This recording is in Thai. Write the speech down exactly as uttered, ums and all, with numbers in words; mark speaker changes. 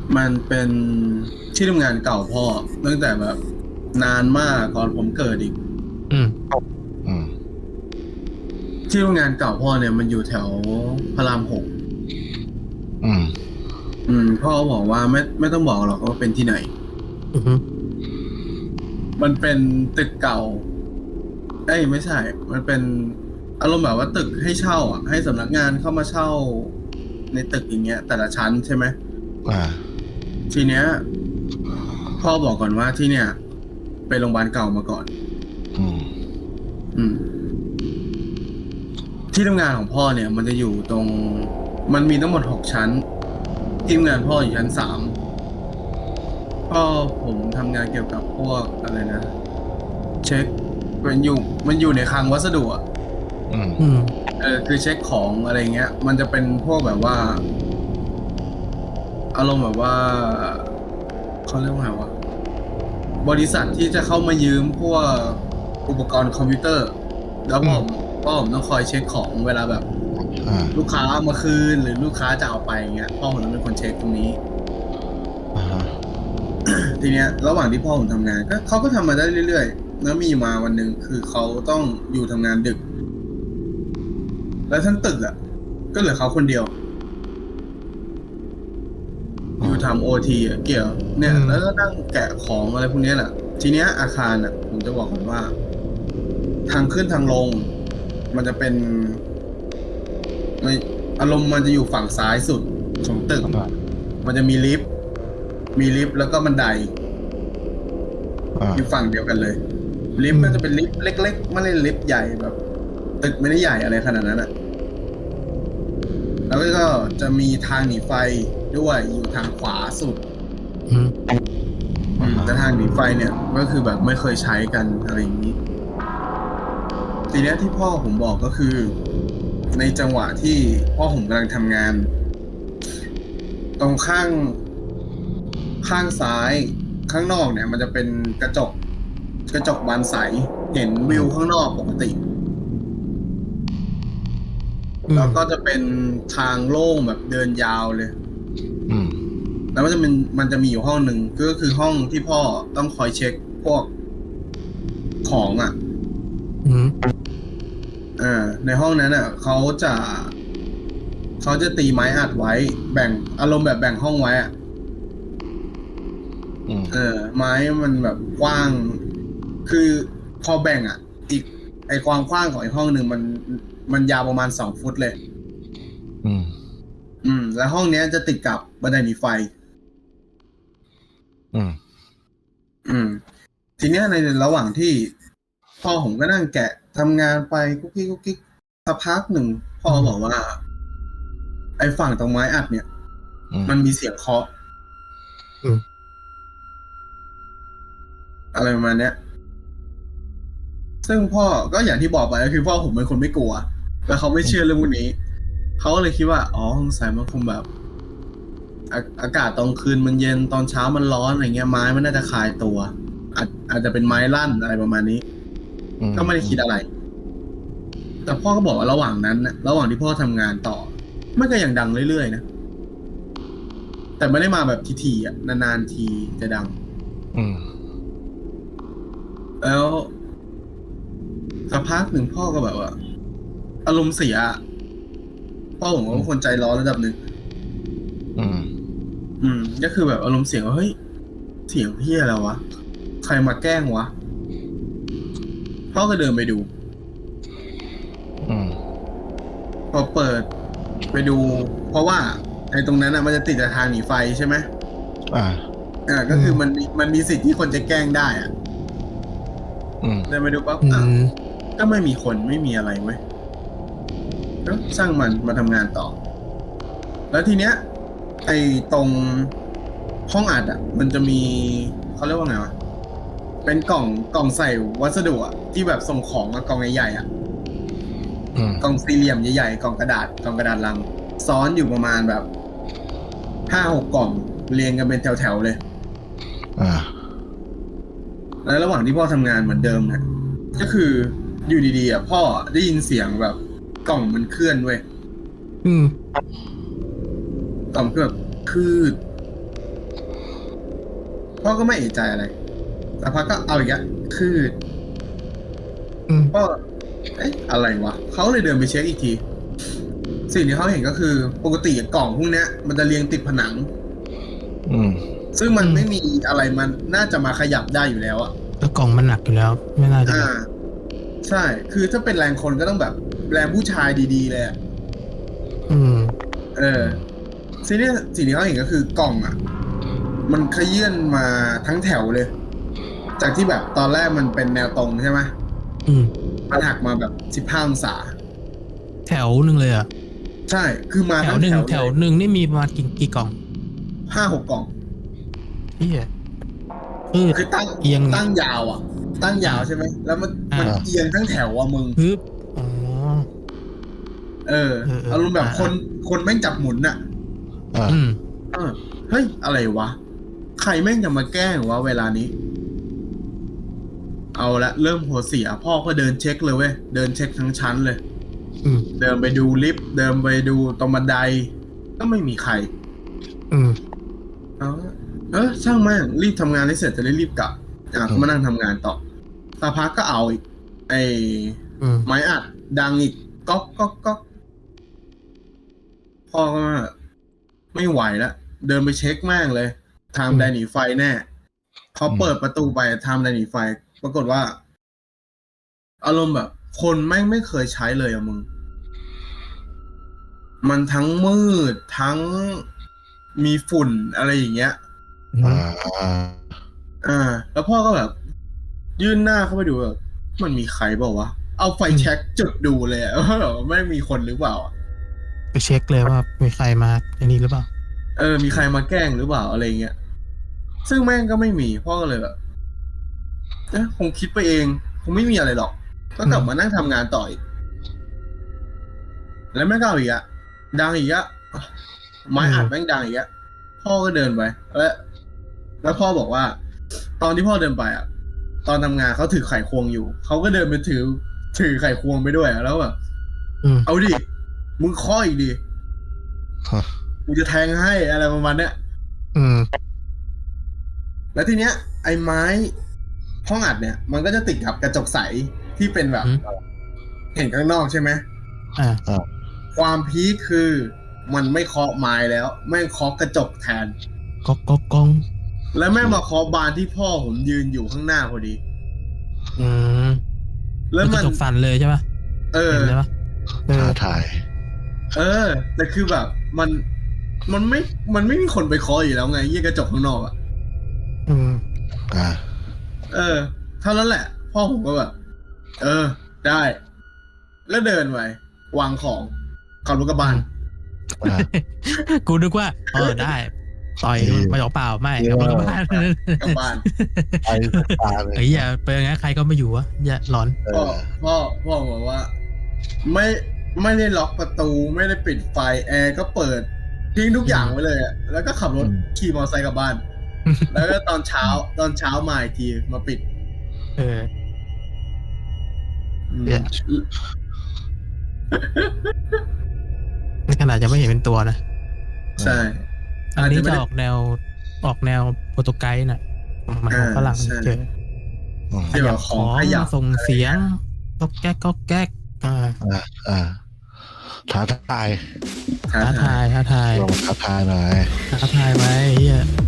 Speaker 1: มันเป็นที่ทำงานเก่าพ่อตั้งแต่แบบนานมากก่อนผมเกิดอีก
Speaker 2: อืม
Speaker 3: อืม
Speaker 1: ที่ทำงานเก่าพ่อเนี่ยมันอยู่แถวพระรามหก
Speaker 3: อืม
Speaker 1: อืมพ่อบอกว่าไม่ไม่ต้องบอกหรอกว่าเป็นที่ไหน
Speaker 2: อืม
Speaker 1: มันเป็นตึกเก่าเอ้ยไม่ใช่ มันเป็นอารมณ์แบบว่าตึกให้เช่าอ่ะให้สำนักงานเข้ามาเช่าในตึกอย่างเงี้ย แต่ละชั้นใช่ไหม
Speaker 3: อ่า
Speaker 1: ทีเนี้ยพ่อบอกก่อนว่าที่เนี่ยเป็นโรงพยาบาลเก่ามาก่อน
Speaker 3: อืม
Speaker 1: อืม ที่ทำงานของพ่อเนี่ยมันจะอยู่ตรง มันมีทั้งหมดหกชั้น ที่ทำงานพ่ออยู่ชั้นสามพ่อผมทำงานเกี่ยวกับพวกอะไรนะ เช็คมันอยู่มันอยู่ในคลังวัสดุอ่ะ
Speaker 3: อืม
Speaker 2: อืม
Speaker 1: เออคือเช็คของอะไรเงี้ย มันจะเป็นพวกแบบว่า อารมณ์แบบว่าเขาเรียกว่าไงวะบริษัทที่จะเข้ามายืมพวกอุปกรณ์คอมพิวเตอร์ แล้วผมพ่อผมต้องคอยเช็คของเวลาแบบ
Speaker 3: อ่า
Speaker 1: ลูกค้าเอามาคืนหรือลูกค้าจะเอาไปเงี้ยพ่อผมต้องเป็นคนเช็คตรงนี้
Speaker 3: อ่าฮะ
Speaker 1: ทีเนี้ยระหว่างที่พ่อผมทำงานก็เขาก็ทำมาได้เรื่อยๆแล้วมีมาวันหนึ่งคือเขาต้องอยู่ทำงานดึก แล้วทั้งตึกอ่ะก็เหลือเขาคนเดียว อยู่ทำโอทีอ่ะเกี่ยว เนี่ย แล้วก็นั่งแกะของอะไรพวกนี้แหละทีเนี้ยอาคารอ่ะ ผมจะบอกก่อนว่า ทางขึ้นทางลง มันจะเป็นไม่อารมณ์มันจะอยู่ฝั่งซ้ายสุดของตึก มันจะมีลิฟต์มีลิฟต์แล้วก็บันได
Speaker 3: อ่า
Speaker 1: อยู่ฝั่งเดียวกันเลย ลิฟต์ก็จะเป็นลิฟต์เล็กๆไม่ได้ลิฟต์ใหญ่แบบ ตึกไม่ได้ใหญ่อะไรขนาดนั้นอ่ะ แล้วก็จะมีทางหนีไฟด้วยอยู่ทางขวาสุด
Speaker 2: อืม
Speaker 1: อืมแต่ทางหนีไฟเนี่ยก็คือแบบไม่เคยใช้กันอะไรอย่างนี้ ทีเนี้ยที่พ่อผมบอกก็คือ ในจังหวะที่พ่อผมกำลังทำงาน ตรงข้างข้างซ้ายข้างนอกเนี่ย มันจะเป็นกระจก กระจกบานใส เห็นวิวข้างนอกปกติ แล้วก็จะเป็นทางโล่งแบบเดินยาวเลย
Speaker 3: อืม
Speaker 1: แล้วมันจะเป็นมันจะมีอยู่ห้องหนึ่งก็คือห้องที่พ่อต้องคอยเช็คพวกของอ่ะ
Speaker 2: อืม
Speaker 1: อ่าในห้องนั้นอ่ะเขาจะเขาจะตีไม้อัดไว้ แบ่งอารมณ์แบบแบ่งห้องไว้อ่ะ
Speaker 3: อืม
Speaker 1: เออ ไม้มันแบบกว้าง คือพอแบ่งอ่ะ อีกไอความกว้างของอีกห้องหนึ่งมันมันยาวประมาณสองฟุตเลย
Speaker 3: อืม
Speaker 1: อืม แล้วห้องเนี้ยจะติดกับบันไดหนีไฟ
Speaker 3: อืม
Speaker 1: อืม ทีเนี้ยในระหว่างที่พ่อผมก็นั่งแกะทำงานไปกุ๊กกิ๊กกุ๊กกิ๊กสักพักหนึ่งพ่อบอกว่า ไอ้ฝั่งตรงไม้อัดเนี่ย
Speaker 3: อืม
Speaker 1: มันมีเสียงเคาะ
Speaker 2: อืม
Speaker 1: อะไรประมาณเนี้ย ซึ่งพ่อก็อย่างที่บอกไปก็คือพ่อผมเป็นคนไม่กลัว แล้วเขาไม่เชื่อเรื่องพวกนี้ เขาก็เลยคิดว่า อ๋อสงสัยมันคงแบบอาอากาศตอนคืนมันเย็นตอนเช้ามันร้อนอะไรเงี้ยไม้มันน่าจะคลายตัว อาจอาจจะเป็นไม้ลั่นอะไรประมาณนี้
Speaker 3: อืม
Speaker 1: ก็ไม่ได้คิดอะไร แต่พ่อก็บอกว่าระหว่างนั้นนะระหว่างที่พ่อทำงานต่อ มันก็ยังดังเรื่อยๆนะ แต่ไม่ได้มาแบบทีๆอ่ะ นานๆทีจะดัง
Speaker 3: อืม
Speaker 1: แล้วสักพักหนึ่งพ่อก็แบบว่า อารมณ์เสียอะพ่อผมก็เป็นคนใจร้อนระดับหนึ่ง
Speaker 3: อืม
Speaker 1: อืม ก็คือแบบอารมณ์เสียงว่าเฮ้ย เสียงเฮียอะไรวะ ใครมาแกล้งวะ พ่อก็เดินไปดู
Speaker 3: อืม
Speaker 1: พอเปิดไปดู เพราะว่าไอ้ตรงนั้นอ่ะมันจะติดกับทางหนีไฟใช่ไหม
Speaker 3: อ่า
Speaker 1: อ่า ก็คือมันมีมันมีสิทธิ์ที่คนจะแกล้งได้อ่ะ
Speaker 3: อืม
Speaker 1: เดินไปดูปั๊บ
Speaker 2: อื
Speaker 1: อ่ะ
Speaker 2: ม
Speaker 1: ก็ไม่มีคนไม่มีอะไรเว้ยก็ช่างมันมาทำงานต่อ แล้วทีเนี้ย ไอ้ตรงห้องอัดอ่ะ มันจะมีเขาเรียกว่าไงวะ เป็นกล่องกล่องใส่วัสดุอ่ะที่แบบส่งของอะกล่องใหญ่ๆอ่ะ
Speaker 3: อืม
Speaker 1: กล่องสี่เหลี่ยมใหญ่ๆกล่องกระดาษกล่องกระดาษลัง ซ้อนอยู่ประมาณแบบห้าหกกล่องเรียงกันเป็นแถวๆเลย
Speaker 3: อ่า
Speaker 1: แล้วระหว่างที่พ่อทำงานเหมือนเดิมเนี่ยก็คืออยู่ดีๆอ่ะพ่อได้ยินเสียงแบบกล่องมันเคลื่อนเว้ย
Speaker 2: อืม
Speaker 1: กล่องคือแบบคืดพ่อก็ไม่เอะใจอะไรแต่พักก็เอาอีกอะคือ
Speaker 2: อืม
Speaker 1: พ่อเอ๊ะอะไรวะเขาเลยเดินไปเช็คอีกทีสิ่งที่เขาเห็นก็คือปกติกล่องพวกเนี้ย มันจะเรียงติดผนัง
Speaker 3: อืม
Speaker 1: ซึ่งมันไม่มีอะไรมันน่าจะมาขยับได้อยู่แล้วอะ
Speaker 2: แล้วกล่องมันหนักอยู่แล้ว ไม่น่าจะ
Speaker 1: อ่า ใช่ คือถ้าเป็นแรงคนก็ต้องแบบแรงผู้ชายดีๆเลยอะ
Speaker 2: อืม
Speaker 1: เออสิ่งที่สิ่งที่เขาเห็นก็คือกล่องอ่ะ มันขยื่นมาทั้งแถวเลย จากที่แบบตอนแรกมันเป็นแนวตรงใช่ไหม
Speaker 2: อืม
Speaker 1: มันหักมาแบบสิบห้าองศา
Speaker 2: แถวหนึ่งเลยอ่ะ
Speaker 1: ใช่ คือมา
Speaker 2: แถ
Speaker 1: ทั้
Speaker 2: ว
Speaker 1: ง
Speaker 2: หนึ่ง
Speaker 1: แถว
Speaker 2: แถวหนึ่งนี่มีประมาณกี่กี่กล่อง
Speaker 1: ห้าหกกล่อง
Speaker 2: พี่อ่ะคือ
Speaker 1: คือตั้ง
Speaker 2: เอียง
Speaker 1: ตั้งยาวอ่ะ ตั้งยาวใช่ไหม แล้วมัน
Speaker 2: อ่ามั
Speaker 1: มันเอียงทั้งแถวอ่ะมึง
Speaker 2: ฮึบอ๋อ
Speaker 1: เออ
Speaker 2: เออเออ
Speaker 1: อารมณ์แบบ
Speaker 2: อ่า
Speaker 1: คนคนแม่งจับหมุนอ่ะ
Speaker 3: อ่า
Speaker 2: อืม
Speaker 1: เออ เฮ้ย อะไรวะ ใครแม่งจะมาแกล้งวะเวลานี้ เอาละเริ่มหัวเสีย พ่อก็เดินเช็คเลยเว้ย เดินเช็คทั้งชั้นเลย
Speaker 2: อืม
Speaker 1: เดินไปดูลิฟต์ เดินไปดูตรงบันได ก็ไม่มีใคร
Speaker 2: อืม
Speaker 1: เอาเออช่างแม่งรีบทำงานให้เสร็จจะได้รีบกลับอ่ะก็มานั่งทำงานต่อสักพักก็เอาอีก ไอ้
Speaker 2: อืม
Speaker 1: ไม้อัด ดังอีกก๊อกก๊อกก๊อกพ่อก็ไม่ไหวแล้วเดินไปเช็คแม่งเลยทำไดหนีไฟแน่เขาเปิดประตูไปทำไดหนีไฟ ปรากฏว่า อารมณ์แบบ คนแม่งไม่เคยใช้เลยอะมึง มันทั้งมืดทั้งมีฝุ่นอะไรอย่างเงี้ย
Speaker 3: อ่า
Speaker 1: อ่า แล้วพ่อก็แบบ ยื่นหน้าเข้าไปดูแบบมันมีใครเปล่าวะ เอาไฟแช็กจุดดูเลยอะ ว่าแบบไม่มีคนหรือเปล่าอะ
Speaker 2: ไปเช็คเลยว่ามีใครมาในนี้หรือเปล่า
Speaker 1: เออ มีใครมาแกล้งหรือเปล่าอะไรเงี้ย ซึ่งแม่งก็ไม่มี พ่อก็เลยแบบเอ๊ะคงคิดไปเอง คงไม่มีอะไรหรอก ก็กลับมานั่งทำงานต่ออีก แล้วแม่งก็เอาอีกอะดังอีกอะไม้อัดแม่งดังอีกอะพ่อก็เดินไปแล้วแล้วพ่อบอกว่า ตอนที่พ่อเดินไปอะตอนทำงานเขาถือไขควงอยู่ เขาก็เดินไปถือ ถือไขควงไปด้วยอะแล้วแบบ
Speaker 2: อืม
Speaker 1: เอาดิ มึงเคาะอีกดิ
Speaker 3: ฮะ
Speaker 1: กูจะแทงให้อะไรประมาณเนี้ย
Speaker 2: อืม
Speaker 1: แล้วทีเนี้ย ไอ้ไม้ห้องอัดเนี่ย มันก็จะติดกับกระจกใสที่เป็นแบบ
Speaker 2: อืม
Speaker 1: เห็นข้างนอกใช่ไหม
Speaker 2: อ่า
Speaker 1: ความพีคคือมันไม่เคาะไม้แล้ว แม่งเคาะกระจกแทน
Speaker 2: ก๊อกก๊อกก๊อง
Speaker 1: แล้วแม่งมาเคาะบานที่พ่อผมยืนอยู่ข้างหน้าพอดี
Speaker 2: อืม
Speaker 1: แล้ว
Speaker 2: ก
Speaker 1: มั
Speaker 2: ระ
Speaker 1: น
Speaker 2: จกสั่นเลยใช่ปะ
Speaker 1: เออ
Speaker 2: เห็นใช่ปะเออ
Speaker 3: ท้าทาย
Speaker 1: เออ แต่คือแบบ มัน มันไม่ มันไม่มีคนไปเคาะอยู่แล้วไงยี่กระจกข้างนอกอะ
Speaker 2: อืม
Speaker 3: อ่า
Speaker 1: เออเท่านั้นแหละ พ่อผมก็แบบ เออ ได้ แล้วเดินไปวางของขับรถกระบะ
Speaker 3: อ่า
Speaker 2: กูนึกว่า เออได้ ต่อย
Speaker 3: เออ
Speaker 2: มาเปล่าๆไม่เอามันก็บ้าน
Speaker 1: กลับบ้าน
Speaker 3: ไปตาเลย
Speaker 2: เอ้ยอย่าไปอย่างนั้นใครก็ไม่อยู่วะอย่าหลอน
Speaker 3: เอ
Speaker 1: พ่อ
Speaker 3: อ
Speaker 1: พ่อพ่อบอกว่า ไม่ไม่ได้ล็อกประตูไม่ได้ปิดไฟแอร์ก็เปิดทิ้งทุกอย่างไว้เลยอะแล้วก็ขับรถ
Speaker 3: อืม
Speaker 1: ขี่มอเตอร์ไซค์กลับบ้าน แล้วก็ตอนเช้า ตอนเช้ามาอีกทีมาปิด
Speaker 2: เออ
Speaker 1: อืม
Speaker 2: เนี่ย ในขนาดจะไม่เห็นเป็นตัวนะ
Speaker 1: ใช่
Speaker 2: อันนี้
Speaker 1: อาจจะไม่
Speaker 2: จะ
Speaker 1: ได้
Speaker 2: ออกแนวออกแนวโปรโตุไกส์น่ะมันของ
Speaker 1: อ่า
Speaker 2: ฝรั่ง
Speaker 1: ใช่
Speaker 2: เจอ
Speaker 3: อืม
Speaker 1: ที่แบบของขยับ
Speaker 2: ส่งเสียงก็แก๊กก็แก๊กอ่า
Speaker 3: อ่า อ่า ท้าทาย
Speaker 1: ท้า
Speaker 2: ท้า
Speaker 1: ทา
Speaker 2: ทาย ยท้าทาย
Speaker 3: ลองท้าทายหน่อย
Speaker 2: ท้าทายไว้เฮีย